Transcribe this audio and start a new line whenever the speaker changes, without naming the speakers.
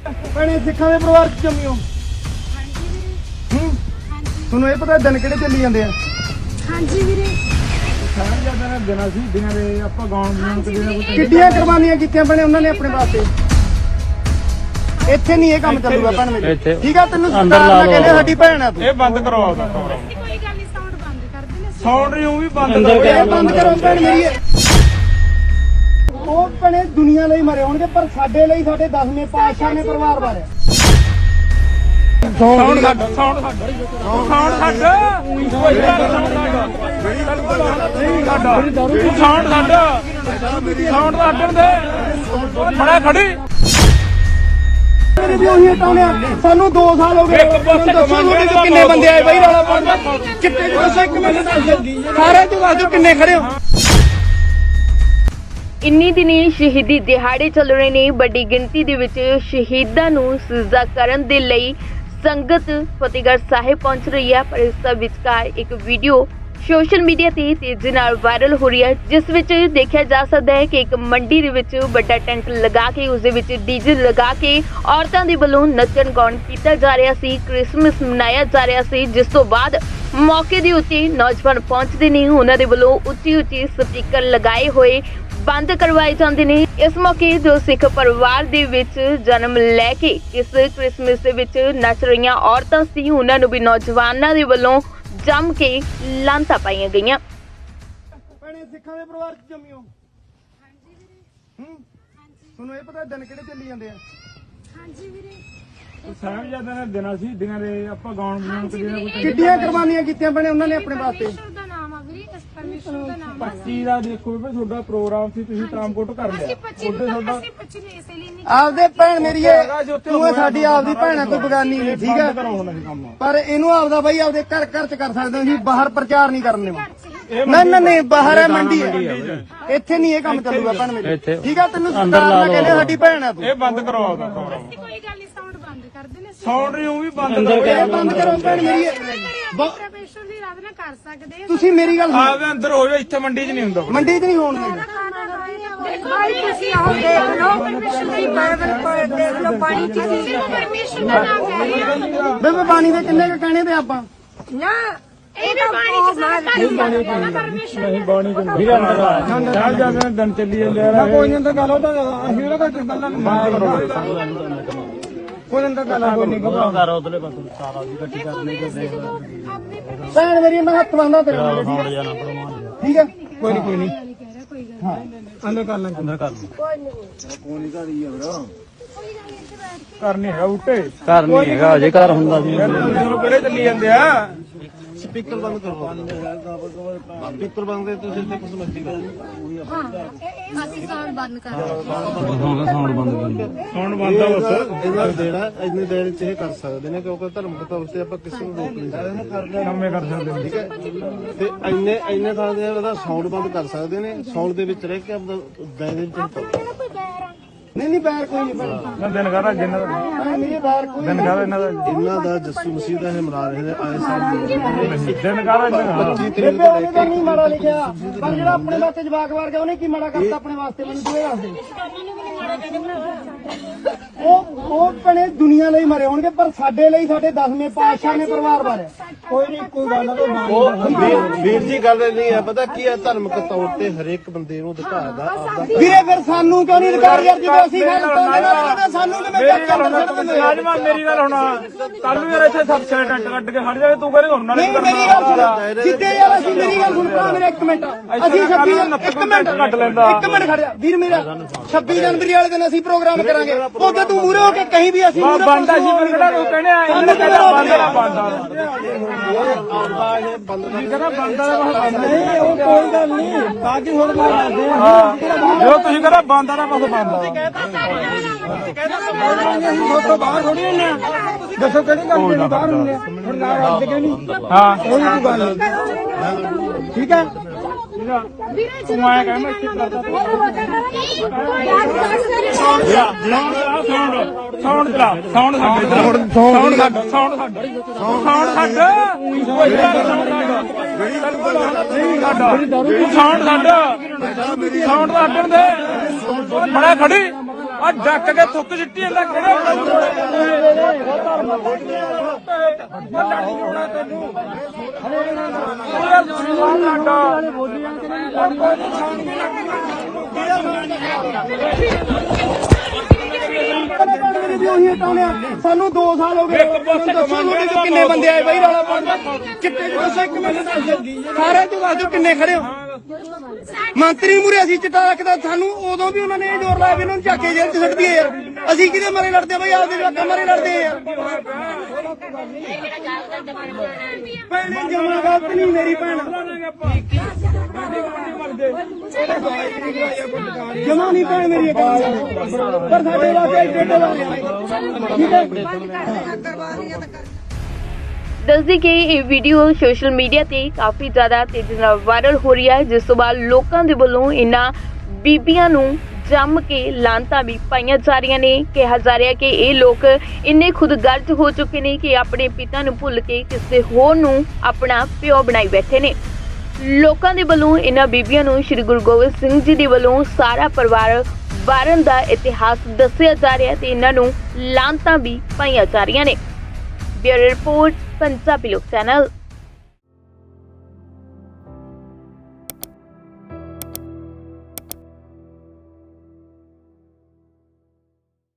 ਭੈਣੇ ਸਿੱਖਾਂ ਦੇ ਪਰਿਵਾਰ ਚ ਜੰਮੀ ਹੋ। ਤੁਹਾਨੂੰ ਇਹ ਪਤਾ ਦਿਨ ਕਿਹੜੇ ਚੱਲੀ ਜਾਂਦੇ ਆ?
ਹਾਂਜੀ ਵੀਰੇ।
ਸਾਹਿਬਜ਼ਾਦਿਆਂ ਦੇ ਦਿਨਾਂ ਸੀ, ਦਿਨਾਂ ਦੇ ਆਪਾਂ ਗਾਉਣ ਕਿੱਡੀਆਂ ਕੁਰਬਾਨੀਆਂ ਕੀਤੀਆਂ ਭੈਣੇ ਉਹਨਾਂ ਨੇ ਆਪਣੇ ਵਾਸਤੇ। ਇੱਥੇ ਨਹੀਂ ਇਹ ਕੰਮ ਚੱਲੂਗਾ ਭੈਣ ਮੇਰੀ, ਠੀਕ ਆ? ਤੈਨੂੰ ਸਰਦਾਰ ਨਾਲ ਕਹਿੰਦੇ ਸਾਡੀ ਭੈਣ ਆ ਤੂੰ। ਇਹ ਬੰਦ ਕਰਵਾਓ ਦਾ
ਕੋਈ ਗੱਲ ਨਹੀਂ, ਸਾਊਂਡ ਬੰਦ ਕਰ ਦੇਣਾ।
ਸਾਊਂਡ ਨੂੰ ਵੀ ਬੰਦ ਕਰੋ, ਇਹ ਬੰਦ ਕਰੋ ਭੈਣ ਮੇਰੀ। ਉਹ ਭੈਣੇ ਦੁਨੀਆ ਲਈ ਮਰੇ ਹੋਣਗੇ, ਪਰ ਸਾਡੇ ਲਈ ਸਾਡੇ 10ਵੇਂ ਪਾਤਸ਼ਾਹ ਨੇ ਪਰਿਵਾਰ ਵਾਰਿਆ। ਸਾਊਂਡ ਛੱਡ, ਸਾਊਂਡ ਛੱਡ, ਸਾਊਂਡ ਛੱਡ, ਸਾਊਂਡ ਛੱਡ, ਸਾਊਂਡ ਛੱਡਣ ਦੇ ਬੜਾ ਖੜੀ। ਵੀ ਉਹੀ ਹਟਾਉਣੇ ਆ, ਸਾਨੂੰ 2 ਸਾਲ ਹੋ ਗਏ। ਦੱਸੋ ਕਿੰਨੇ ਬੰਦੇ ਆਏ ਬਾਈ ਰੌਲਾ ਪਾਉਣ? ਕਿੱਥੇ ਦੱਸੋ, ਇੱਕ ਮਿੰਟ ਸਾਰੇ ਤੂੰ ਦੱਸ ਦਿਓ ਕਿੰਨੇ ਖੜੇ ਹੋ।
ਇੰਨੀ ਦਿਨੀ ਸ਼ਹੀਦੀ ਦਿਹਾੜੇ ਚੱਲ ਰਹੇ ਨੇ। ਵੱਡੀ ਗਿਣਤੀ ਦੇ ਵਿੱਚ ਸ਼ਹੀਦਾਂ ਨੂੰ ਸਜਦਾ ਕਰਨ ਦੇ ਲਈ ਸੰਗਤ ਫਤਿਹਗੜ੍ਹ ਸਾਹਿਬ ਪਹੁੰਚ ਰਹੀ ਹੈ, ਪਰ ਇਸ ਦਾ ਵਿਚਕਾਰ ਇੱਕ ਵੀਡੀਓ ਸੋਸ਼ਲ ਮੀਡੀਆ ਤੇ ਤੇਜ਼ੀ ਨਾਲ ਵਾਇਰਲ ਹੋ ਰਹੀ ਹੈ, ਜਿਸ ਵਿੱਚ ਦੇਖਿਆ ਜਾ ਸਕਦਾ ਹੈ ਕਿ ਇੱਕ ਮੰਡੀ ਦੇ ਵਿੱਚ ਵੱਡਾ ਟੈਂਟ ਲਗਾ ਕੇ ਉਸ ਦੇ ਵਿੱਚ ਡੀਜੇ ਲਗਾ ਕੇ ਔਰਤਾਂ ਦੇ ਵੱਲੋਂ ਨੱਚਣ ਗਾਉਣ ਕੀਤਾ ਜਾ ਰਿਹਾ ਸੀ, ਕ੍ਰਿਸਮਸ ਮਨਾਇਆ ਜਾ ਰਿਹਾ ਸੀ। ਜਿਸ ਤੋਂ ਬਾਅਦ ਮੌਕੇ ਦੇ ਉੱਤੇ ਨੌਜਵਾਨ ਪਹੁੰਚਦੇ ਨੇ, ਉਹਨਾਂ ਦੇ ਵੱਲੋਂ ਉੱਚੀ ਉੱਚੀ ਸਪੀਕਰ ਲਗਾਏ ਹੋਏ ਬੰਦ ਕਰਵਾਏ ਜਾਂਦੇ ਨੇ। ਇਸ ਮੌਕੇ ਜੋ ਸਿੱਖ ਪਰਿਵਾਰ ਦੇ ਵਿੱਚ ਜਨਮ ਲੈ ਕੇ ਇਸ ਕ੍ਰਿਸਮਸ ਦੇ ਵਿੱਚ ਨੱਚ ਰਹੀਆਂ ਔਰਤਾਂ ਸੀ, ਉਹਨਾਂ ਨੂੰ ਵੀ ਨੌਜਵਾਨਾਂ ਦੇ ਵੱਲੋਂ ਜੰਮ ਕੇ ਲਾਂਤਾਂ ਪਾਈਆਂ ਗਈਆਂ।
ਭੈਣੇ ਸਿੱਖਾਂ ਦੇ ਪਰਿਵਾਰ ਚ ਜੰਮੀ ਹੋ।
ਹਾਂਜੀ ਵੀਰੇ।
ਤੁਹਾਨੂੰ ਇਹ ਪਤਾ ਦਿਨ ਕਿਹੜੇ ਚੱਲੀ ਜਾਂਦੇ ਆ?
ਹਾਂਜੀ ਵੀਰੇ।
ਸਾਹਿਬਜ਼ਾਦਿਆਂ ਦੇ ਦਿਨਾਂ ਸੀ, ਦਿਨਾਂ ਦੇ ਆਪਾਂ ਗਾਉਣ ਕਿੱਡੀਆਂ ਕੁਰਬਾਨੀਆਂ ਕੀਤੀਆਂ ਭੈਣੇ ਉਹਨਾਂ ਨੇ ਆਪਣੇ ਵਾਸਤੇ।
ਪਰਮੇਸ਼ਰ ਦਾ ਨਾਮ ਆ ਵੀਰੇ, ਇਸ ਪਰਮੇਸ਼ਰ ਦਾ ਨਾਮ ਆ।
25 ਦਾ ਦੇਖੋ ਵੀ ਤੁਹਾਡਾ ਪ੍ਰੋਗਰਾਮ ਸੀ, ਤੁਸੀਂ ਟਰਾਂਸਪੋਰਟ ਕਰ ਲਿਆ।
ਅਸੀਂ 25 ਨੂੰ ਇਸੇ ਲਈ ਨਹੀਂ
ਆਪਦੇ ਭੈਣ ਮੇਰੀ ਤੂੰ ਸਾਡੀ ਆਪਦੀ ਭੈਣ ਆ, ਕੋਈ ਬਗਾਨੀ ਨਹੀਂ, ਠੀਕ ਹੈ? ਪਰ ਇਹਨੂੰ ਆਪਦਾ ਬਾਈ ਆਪਦੇ ਘਰ ਘਰ ਚ ਕਰ ਸਕਦੇ ਹੋ ਜੀ, ਬਾਹਰ ਪ੍ਰਚਾਰ ਨਹੀਂ ਕਰਨ ਦੇਵਾ। ਨਹੀਂ ਬਾਹਰ ਹੈ, ਮੰਡੀ ਹੈ, ਇੱਥੇ ਨਹੀਂ ਇਹ ਕੰਮ ਚੱਲੂਗਾ ਭੈਣ ਮੇਰੀ, ਠੀਕ ਆ? ਤੈਨੂੰ ਸਰਦਾਰ ਨਾਲ ਕਹਿੰਦੇ ਸਾਡੀ ਭੈਣ ਆ ਤੂੰ। ਇਹ ਬੰਦ ਕਰਵਾਓ ਦਾ
ਕੋਈ ਗੱਲ ਨਹੀਂ, ਸਾਊਂਡ ਬੰਦ ਕਰ ਦੇਣਾ।
ਸਾਊਂਡ ਨੂੰ ਵੀ ਬੰਦ ਕਰੋ, ਇਹ ਬੰਦ ਕਰੋ ਭੈਣ ਮੇਰੀ।
ਪਰਮੇਸ਼ਰ ਦੀ ਆਰਾਧਨਾ ਕਰ ਸਕਦੇ ਆ।
ਤੁਸੀਂ ਮੇਰੀ ਗੱਲ
ਆਪਦੇ ਅੰਦਰ ਹੋ ਜਾਓ, ਇੱਥੇ ਮੰਡੀ 'ਚ ਨਹੀਂ ਹੁੰਦਾ।
ਮੰਡੀ 'ਚ ਨਹੀਂ ਹੋਣ ਦੇਣਾ।
ਭਾਈ ਤੁਸੀਂ ਆਓ ਦੇਖ ਲਓ, ਪਰਮੇਸ਼ਰ ਦੀ ਬਾਈਬਲ ਪੜ੍ਹ ਦੇਖ ਲਓ, ਪਾਣੀ ਚ ਸਿਰਫ ਪਰਮੇਸ਼ਰ ਦਾ ਨਾਮ ਲੈ ਰਹੇ ਆ।
ਬੇਬੇ ਪਾਣੀ ਦੇ ਕਿੰਨੇ ਕ ਕਹਿਣੇ ਤੇ ਆਪਾਂ
ਨਾ ਇਹ ਵੀ ਪਾਣੀ ਚ ਸਾਰਾ ਪਰਮੇਸ਼ਰ ਨਹੀਂ ਬਾਣੀ ਚ
ਵੀਰਾਂ ਨਾਲ ਸਾਹਿਬਜ਼ਾਦਿਆਂ ਦੇ ਦਿਨ ਚੱਲੀ ਜਾਂਦੇ ਆ। ਕੋਈ ਨਹੀਂ ਤਾਂ ਗੱਲ ਉਹਦਾ ਅਸੀਂ ਉਹਦਾ ਕੋਈ ਗੱਲਾਂ ਕੋਈ ਨਹੀਂ ਤਾਂ ਗੱਲ ਕੋਈ ਨਹੀਂ ਘਬਰਾ ਉਧਰਲੇ ਪਾਸੇ ਸਾਰਾ ਦੀ ਇਕੱਠੀ ਕਰਨੀ ਤੇ ਦੇਖ ਭੈਣ ਮੇਰੀ ਮੈਂ ਹੱਥ ਬੰਨਦਾ ਤੇਰੇ ਨਾਲ, ਠੀਕ ਹੈ? ਕੋਈ ਨਹੀਂ ਹਾਂ ਅੰਦਰ ਕਰ ਲੈ, ਅੰਦਰ ਕਰ ਲੈ। ਕੋਈ ਨਹੀਂ ਘਰ ਹੀ ਆ ਵੀਰਾ, ਘਰ ਨਹੀਂ ਹੈਗਾ ਉੱਤੇ, ਘਰ ਨਹੀਂ ਹੈਗਾ ਅਜੇ, ਘਰ ਹੁੰਦਾ ਸੀ। ਕਿਹੜੇ ਚੱਲੀ ਜਾਂਦੇ ਆ? ਸਪੀਕਰ ਬੰਦ ਕਰੋ, ਸਪੀਕਰ ਬੰਦ ਕਰ, ਤੁਸੀਂ ਇੱਥੇ ਕੁਝ ਮਰਜ਼ੀ ਕਰੋ।
ਹਾਂ ਅਸੀਂ ਸਾਊਂਡ ਬੰਦ ਕਰ
ਸਾਊਂਡ ਬੰਦ ਆ ਬਸ। ਇਹਨਾਂ ਦੇਣਾ ਇੰਨੇ ਦੇਰ ਚ ਇਹ ਕਰ ਸਕਦੇ ਨੇ, ਕਿਉਂਕਿ ਧਰਮਕ ਤੌਰ ਤੇ ਆਪਾਂ ਕਿਸੇ ਨੂੰ ਰੋਕ ਨਹੀਂ ਸਕਦੇ, ਕੰਮੇ ਕਰ ਸਕਦੇ ਨੇ, ਠੀਕ ਹੈ? ਤੇ ਇੰਨੇ ਥਾਂ ਦੇ ਉਹਦਾ ਸਾਊਂਡ ਬੰਦ ਕਰ ਸਕਦੇ ਨੇ, ਸਾਊਂਡ ਦੇ ਵਿੱਚ ਰਹਿ ਕੇ ਆਪਦਾ ਦਾਇਰੇ ਵਿੱਚ ਨਹੀਂ ਬੈਰ ਕੋਈ ਨਹੀਂ। ਦਿਨ ਕਹਦਾ ਜਿੰਨਾ ਦਾ ਮੇਰੇ ਬੈਰ ਕੋਈ ਦਿਨ ਕਹਦਾ ਇਹਨਾਂ ਦਾ ਜੱਸੂ ਮਸੀਹ ਦਾ ਇਹ ਮਨਾ ਰਹੇ ਨੇ ਆਏ ਸਾਲ ਦਿਨ ਕਹਦਾ 25 ਤਰੀਕ ਤੋਂ ਲੈ ਕੇ ਨਹੀਂ ਮਾੜਾ ਲਿਖਿਆ, ਪਰ ਜਿਹੜਾ ਆਪਣੇ ਵਾਸਤੇ ਜਵਾਕ ਵਾਰ ਗਿਆ ਉਹਨੇ ਕੀ ਮਾੜਾ ਕਰਤਾ ਆਪਣੇ ਵਾਸਤੇ? ਮੈਨੂੰ ਤੂੰ ਇਹ ਦੱਸ ਦੇ। ਉਹ ਭੈਣੇ ਦੁਨੀਆ ਲਈ ਮਰੇ ਹੋਣਗੇ, ਪਰ ਸਾਡੇ ਲਈ ਸਾਡੇ 10ਵੇਂ ਪਾਤਸ਼ਾਹ ਨੇ ਪਰਿਵਾਰ ਵਾਰਿਆ। ਕੋਈ ਨਹੀਂ, ਕੋਈ ਗੱਲ ਨਹੀਂ ਵੀਰ ਜੀ, ਗੱਲ ਨਹੀਂ ਹੈ, ਪਤਾ ਕੀ ਹੈ? ਧਰਮਕ ਤੌਰ ਤੇ ਹਰੇਕ ਬੰਦੇ ਨੂੰ ਅਧਿਕਾਰ ਦਾ ਆਪਦਾ। ਵੀਰੇ ਫਿਰ ਸਾਨੂੰ ਕਿਉਂ ਨਹੀਂ ਅਧਿਕਾਰ ਯਾਰ? ਜਦੋਂ ਅਸੀਂ ਸਾਨੂੰ ਕਿਵੇਂ ਰਾਜਮਾਨ ਮੇਰੀ ਗੱਲ ਹੁਣ ਕੱਲ ਨੂੰ ਯਾਰ ਇੱਥੇ ਸਬਸੇ ਟੈਂਟ ਕੱਢ ਕੇ ਖੜ ਜਾਵੇ, ਤੂੰ ਕਹਿੰਦੇ ਹੁਣ ਨਾਲ ਮੇਰੀ ਗੱਲ ਸੁਣ ਸਿੱਧੇ ਯਾਰ, ਅਸੀਂ ਮੇਰੀ ਗੱਲ ਸੁਣ ਭਰਾ ਮੇਰੇ, ਇੱਕ ਮਿੰਟ ਅਸੀਂ 26 ਇੱਕ ਮਿੰਟ ਕੱਢ ਲੈਂਦਾ, ਇੱਕ ਮਿੰਟ ਖੜ ਜਾ ਵੀਰ ਮੇਰਾ। 26 ਜਨਵਰੀ ਵਾਲੇ ਦਿਨ ਅਸੀਂ ਪ੍ਰੋਗਰਾਮ ਕਰਾਂਗੇ, ਉਹਦੇ ਤੂੰ ਮੂਰੇ ਹੋ ਕੇ ਕਹੀਂ ਵੀ ਅਸੀਂ ਬੰਦਾ ਸੀ ਕਿਹੜਾ ਲੋਕ ਕਹਿੰਦੇ ਆ ਇਹਨਾਂ ਕਹਿੰਦਾ ਬੰਦਾ ਬੰਦਾ ਕਹਿੰਦਾ ਬੰਦਾ ਨਹੀਂ, ਉਹ ਕੋਈ ਗੱਲ ਨਹੀਂ, ਬਾਕੀ ਹੋਰ ਮਾਰਦੇ ਆ ਜੋ ਤੁਸੀਂ ਕਹਿੰਦਾ ਬੰਦਾ ਦਾ ਬਸ ਬੰਦਾ ਤੋਂ ਬਾਹਰ ਥੋੜੀ ਹੁੰਦੇ ਆ। ਦੱਸੋ ਕਿਹੜੀ ਗੱਲ ਜਿਹੜੀ ਬਾਹਰ ਹੁੰਦੇ ਆ? ਹੁਣ ਨਾ ਰੱਜ ਕੇ ਨਹੀਂ, ਹਾਂ ਕੋਈ ਗੱਲ ਨਹੀਂ, ਠੀਕ ਹੈ? ਤੂੰ ਆਇਆ ਕਹਿੰਦਾ ਸਾਊਂਡ ਚਲਾ, ਸਾਊਂਡ ਛੱਡ, ਸਾਊਂਡ ਛੱਡ, ਸਾਊਂਡ ਛੱਡ, ਸਾਊਂਡ ਛੱਡ, ਸਾਊਂਡ ਛੱਡਣ ਦੇ ਬੜਾ ਖੜੀ।
ਆ ਡੱਕ ਕੇ ਥੁੱਕ ਸਿੱਟੀ ਜਾਂਦਾ ਕਿਹੜਾ
ਉਹੀ ਹਟਾਉਣੇ ਆ। ਸਾਨੂੰ 2 ਸਾਲ ਹੋ ਗਏ। ਦੱਸੋ ਤੁਹਾਡੇ ਚੋਂ ਕਿੰਨੇ ਬੰਦੇ ਆਏ ਬਾਈ ਰੌਲਾ ਪਾਉਣ? ਚਿੱਟੇ ਚ ਦੱਸੋ ਇੱਕ ਮਿੰਟ ਦੱਸ ਦਿਓ। ਸਾਰਿਆਂ ਚੋਂ ਦੱਸ ਦਿਓ ਕਿੰਨੇ ਖੜੇ ਹੋ। ਮੰਤਰੀ ਮੂਰੇ ਅਸੀਂ ਚਿੱਟਾ ਰੱਖਦਾ, ਸਾਨੂੰ ਉਦੋਂ ਵੀ ਉਹਨਾਂ ਨੇ ਇਹ ਜ਼ੋਰ ਲਾਇਆ ਵੀ ਇਹਨਾਂ ਨੂੰ ਚੱਕ ਕੇ ਜੇਲ੍ਹ ਚ ਸੁੱਟ ਦਈਏ ਯਾਰ। ਅਸੀਂ ਕਿਹਦੇ ਮਾਰੇ ਲੜਦੇ ਆ ਬਾਈ? ਆਪਦੇ ਜਵਾਕਾਂ ਮਾਰੇ ਲੜਦੇ ਆ ਯਾਰ। ਭੈਣੇ ਜਮਾ ਗਲਤ ਨਹੀਂ ਮੇਰੀ ਭੈਣ, ਜਮਾ ਨਹੀਂ ਭੈਣ ਮੇਰੀ ਪਰ ਸਾਡੇ ਵਾਸਤੇ ਐਡੇ ਠੀਕ ਹੈ।
ਦੱਸਦੀ ਕਿ ਇਹ ਵੀਡੀਓ ਸੋਸ਼ਲ ਮੀਡੀਆ ਤੇ ਕਾਫੀ ਜ਼ਿਆਦਾ ਤੇਜ਼ੀ ਨਾਲ ਵਾਇਰਲ ਹੋ ਰਹੀ ਹੈ, ਜਿਸ ਤੋਂ ਬਾਅਦ ਲੋਕਾਂ ਦੇ ਵੱਲੋਂ ਇਹਨਾਂ ਬੀਬੀਆਂ ਨੂੰ ਜੰਮ ਕੇ ਲਾਂਤਾਂ ਵੀ ਪਾਈਆਂ ਜਾ ਰਹੀਆਂ ਨੇ। ਕਿਹਾ ਜਾ ਰਿਹਾ ਕਿ ਇਹ ਲੋਕ ਇੰਨੇ ਖੁਦਗਰਜ਼ ਹੋ ਚੁੱਕੇ ਨੇ ਕਿ ਆਪਣੇ ਪਿਤਾ ਨੂੰ ਭੁੱਲ ਕੇ ਕਿਸੇ ਹੋਰ ਨੂੰ ਆਪਣਾ ਪਿਓ ਬਣਾਈ ਬੈਠੇ ਨੇ। ਲੋਕਾਂ ਦੇ ਵੱਲੋਂ ਇਹਨਾਂ ਬੀਬੀਆਂ ਨੂੰ ਸ੍ਰੀ ਗੁਰੂ ਗੋਬਿੰਦ ਸਿੰਘ ਜੀ ਦੇ ਵੱਲੋਂ ਸਾਰਾ ਪਰਿਵਾਰ ਵਾਰਨ ਦਾ ਇਤਿਹਾਸ ਦੱਸਿਆ ਜਾ ਰਿਹਾ ਤੇ ਇਹਨਾਂ ਨੂੰ ਲਾਂਤਾਂ ਵੀ ਪਾਈਆਂ ਜਾ ਰਹੀਆਂ ਨੇ। ਬਿਊਰੋ ਰਿਪੋਰਟ, ਪੰਜਾਬੀ ਲੋਕ ਚੈਨਲ।